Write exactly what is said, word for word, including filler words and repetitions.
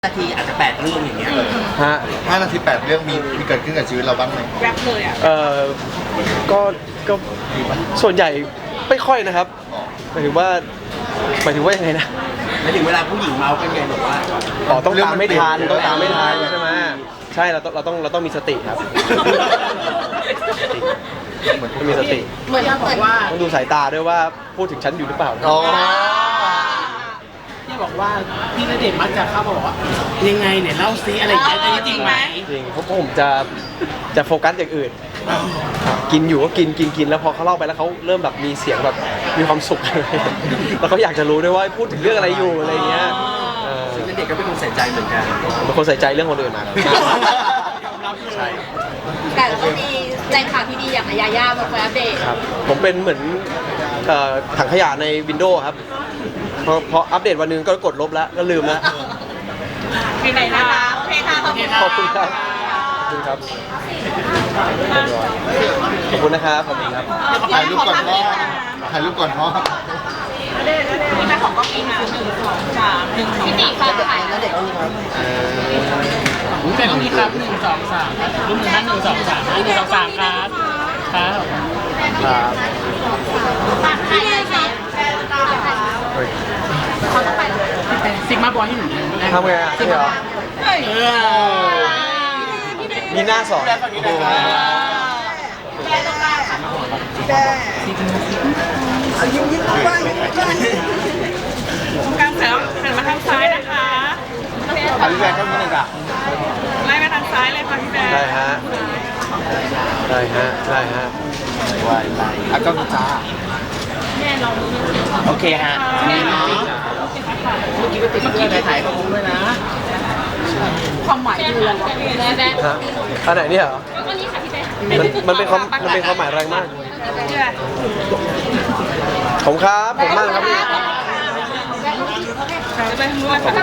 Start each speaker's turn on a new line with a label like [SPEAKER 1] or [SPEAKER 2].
[SPEAKER 1] นาทีอาจจะแปดเรื่องอย่างเงี้ย
[SPEAKER 2] ฮะ
[SPEAKER 3] ห้านาทีแปดเรื่องมีมีเกิดขึ้นกับชีวิตเราบ้างไหม
[SPEAKER 4] แรปเลยอ่ะ
[SPEAKER 2] เอ่อก็ก็ส่วนใหญ่ไม่ค่อยนะครับหมายถึงว่าหมายถึงว่ายังไงนะ
[SPEAKER 1] หมายถึงเวลาผู้หญิงเมากันไงบอกว่า
[SPEAKER 2] อ๋อต้องตามไม่ทันต้องตามไม่ทันใช่ไหมใช่เราต้องเราต้องเราต้องมีสติครับต้องมีสติ
[SPEAKER 4] เหมือนบอกว่า
[SPEAKER 2] ต้องดูสายตาด้วยว่าพูดถึงฉันอยู่หรือเปล่า
[SPEAKER 3] อ๋อ
[SPEAKER 4] ที่บอกว่าพี่ณเดชน์มักจะเข้ามาบอกว่ายังไงเนี่ยเล่าซิอะไรอย่างเงี้ยจริงไหม
[SPEAKER 2] จริงเพราะผมจะจะโฟกัสอย่างอื่นกินอยู่ก็กินกินกินแล้วพอเขาเล่าไปแล้วเขาเริ่มแบบมีเสียงแบบมีความสุขแล้วเขาอยากจะรู้ด้วยว่าพูดถึงเรื่องอะไรอยู่อะไรเงี้ย
[SPEAKER 1] ซึ่งเด็กก็เป็นคนใส่ใจเหมือนกัน
[SPEAKER 2] เป็นคนใส่ใจเรื่องคนอื่นมาใช่
[SPEAKER 5] แต่ก็มีใจข่าวที่ดีอย่างยาย่ามาคอยอัปเดต
[SPEAKER 2] ครับผมเป็นเหมือนถังขยะในวินโดว์ครับพอพออัปเดตวันนึงก็กดลบแล้วก็ลืมแล้ว
[SPEAKER 5] ไปไหนนะคะโอเคค่ะ
[SPEAKER 2] ขอบคุณครับขอบคุณครับขอบคุณนะครับขอบคุณครับ
[SPEAKER 3] ถ่ายรูปก่อนพ่อถ่ายรูปก่อนพ่อ
[SPEAKER 5] นี่แม่ของก็มีนะหนึ่งสองสามหนึ่งพี่ตีค่ะถ่ายแล้วเด็กก็มีครับ
[SPEAKER 4] เป็นตรงนี้ครับหนึ่งสองสามรูปหนึ่งห้าหนึ่งสองสามหนึ่งสองสามครับครับ
[SPEAKER 2] ครับ
[SPEAKER 5] ถ่ายเลยค่ะเขาต้องไปเลย
[SPEAKER 4] ซิกมาบอยให้หนู
[SPEAKER 2] ทำไงอ่ะพี่เหรอมีหน้าสอน
[SPEAKER 5] ยิ้มยิ้มไป
[SPEAKER 4] ตรงกลางแถวหันมาทางซ้ายนะคะ
[SPEAKER 3] ถ่ายรูปแรกก็มีหนึ่งอ่ะ
[SPEAKER 4] ไล่มาทางซ้ายเลยค่ะพี่แบง
[SPEAKER 2] ได้ฮะได้ฮะได้ฮะ
[SPEAKER 3] วายไปอ่ะก็มีจ้า
[SPEAKER 1] โอเคฮะนี่เนาะเมื่อกี้ไปติดเพื่อนถ่ายกับผมด้วยนะ
[SPEAKER 5] ความหมายคืออะไรวะ
[SPEAKER 2] ฮะอันไหนเนี่ยเหรอมันมันเป็นความมันเป็นความหมายแรงมากผมครับผมมากครับพี่